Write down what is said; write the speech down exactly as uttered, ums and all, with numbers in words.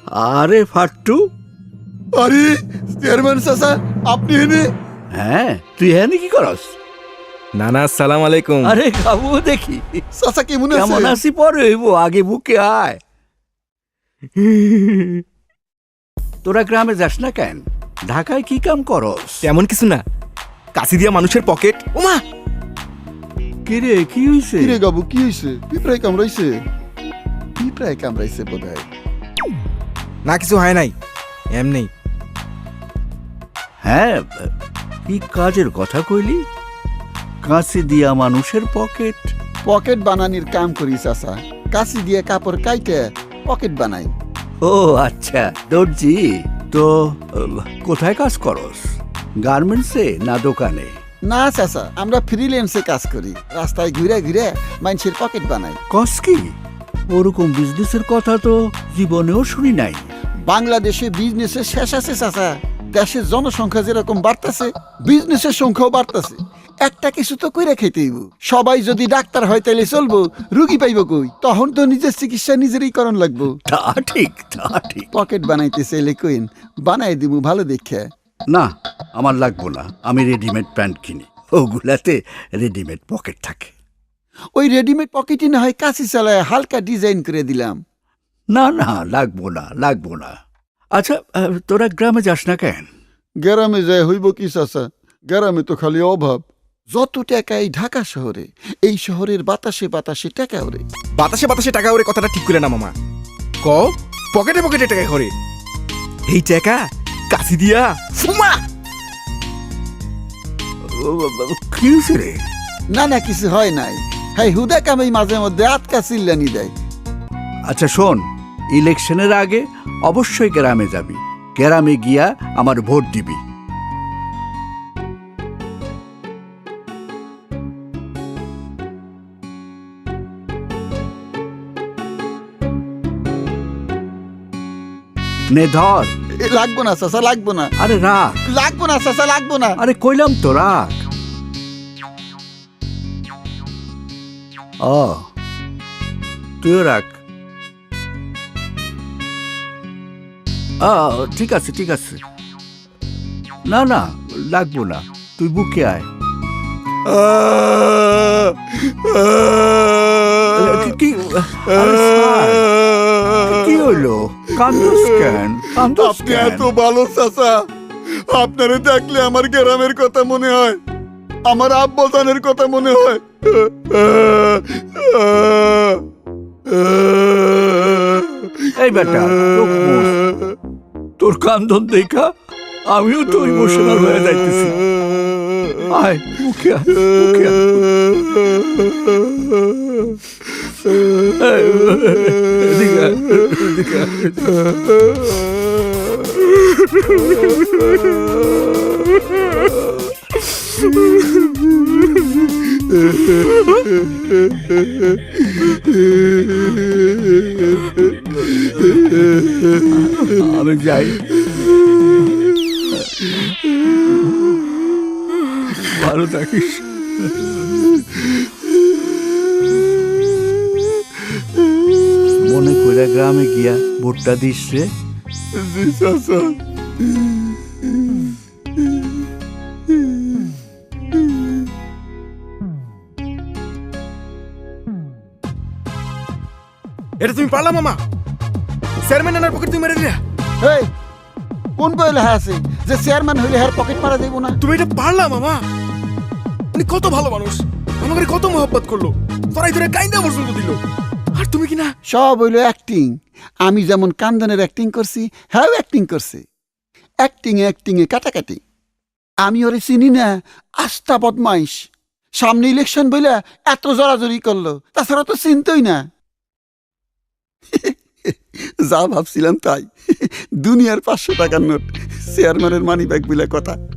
আরে ফাট্টু, আরে চেয়ারম্যান চাচা আপনি এনে? হ্যাঁ তুই হ্যাঁ কি করস? নানা আসসালাম আলাইকুম। আরে খাবো দেখি চাচা কেমন কেমন আছে? আছি পরে হইব, আগে বুকে আয়। তোরা গ্রামে যাস না কেন? ঢাকায় কি কাম করস? তেমন কিছু না, কাশি দিয়া মানুষের পকেট। ওমা কিরে কি হইছে? কিরে গাবু কি হইছে? পিঁপড়ায় কামড়াইছে? পিঁপড়ায় কামড়াইছে বোধহয়। না কিছু হয় নাই, এমনি। হ্যাঁ, কি কাজের কথা কইলি? কাঁচি দিয়া মানুষের পকেট? পকেট বানানির কাম করি চাচা। কাশি দিয়ে কাপড় কাইটে পকেট বানাই। ও আচ্ছা, দর্জি। তো আহ, কোথায় কাজ করস? গার্মেন্টসে না দোকানে? না চাচা, আমরা ফ্রিল্যান্সে কাজ করি। রাস্তায় ঘুরে ঘুরে মানুষের পকেট বানাই। কস কি? ওরকম বিজনেসের কথা তো জীবনেও শুনি নাই। বাংলাদেশে বিজনেসের শেষ আছে চাচা। দেশের জনসংখ্যা যেরকম বাড়তেছে, বিজনেসের সংখ্যাও বাড়তেছে। একটা কিছু তো কইরা খাইতেইব। সবাই যদি ডাক্তার হয় তাইলে চলবো, রুগী পাইব কই? তখন তো নিজের চিকিৎসা নিজেরই করণ লাগবো। তা ঠিক, তা ঠিক। পকেট বানাইতে চাইলে কইন, বানাই দিব ভালো দেখে। না, আমার লাগবো না। আমি রেডিমেড প্যান্ট কিনি, ওগুলাতে রেডিমেড পকেট থাকে। ওই রেডিমেড পকেটই না হয় কাশি চালায় হালকা ডিজাইন করে দিলাম। না না, লাগবো না, লাগবো না। আচ্ছা, আহ, তোরা গ্রামে যাস না কেন? গ্রামে যায় হইব কি চাচা? গ্রামে তো খালি অভাব। যত টাকা এই ঢাকা শহরে, এই শহরের বাতাসে বাতাসে টাকা ওরে। বাতাসে বাতাসে টাকা ওরে কথাটা ঠিক করে না মামা। ক পকেটে পকেটে টাকা করে এই টাকা কাশি দিয়া ফুমা। কি হয়েছে রে? না না, কিছু হয় নাই। হ্যাঁ, হুদা কামাই মাঝে মধ্যে আটকা চিল্লানি দেয়। আচ্ছা শোন, ইলেকশনের আগে অবশ্যই গ্রামে যাবি। গ্রামে গিয়া আমার ভোট দিবি। নে ধর। এ, লাগবো না চাচা, লাগবো না। আরে রাখ। লাগবো না চাচা, লাগবো না। আরে কইলাম তো রাখ। ও, তুইও রাখ। আ, ঠিক আছে ঠিক আছে। না না, লাগবো না, তুই বুকে আয়। কি- কি আরে স্যার, কি হইলো? কান্দোস কেন? কান্দোস আপনি কেন? এত ভালো চাচা, আপনারে দেখলে আমার গ্রামের কথা মনে হয়, আমার আব্বাজানের কথা মনে হয়। এই বেটা, চোখ মুছ। তোর কান্দন দেখা আমিও তো ইমোশনাল হয়ে যাইতেছি। আয় মুখে আয়, মুখে আয়। এই, এদিকে আয়, এদিকে আয়। আমি যাই। ভালো থাকিস। মনে করে গ্রামে গিয়া ভোটটা দিস রে। চাচা, এটা তুমি পারলা মামা? চেয়ারম্যান নানার পকেট তুমি মেরে দিলা। এই কোন বই লেখা আছে যে চেয়ারম্যান হইলে হার পকেট মারা দেব না? তুমি এটা পারলা মামা? উনি কত ভালো মানুষ, আমাকে কত মহব্বত করলো, তোরাই ধরে কাইন্দা পর্যন্ত দিল। আর তুমি কি না? সব হইলো অ্যাক্টিং। আমি যেমন কান্দনের অ্যাক্টিং করছি, হ্যাঁ অ্যাক্টিং করছে। অ্যাক্টিং এ অ্যাক্টিং এ কাটাকাটি। আমি ওরে চিনি না, আস্থা বদমাইশ। সামনে ইলেকশন বইলা এত জড়াজড়ি করলো, তাছাড়া তো চিনতই না। যা ভাবছিলাম তাই। দুনিয়ার পাঁচশো টাকার নোট, চেয়ারম্যানের মানি ব্যাগ বলে কথা।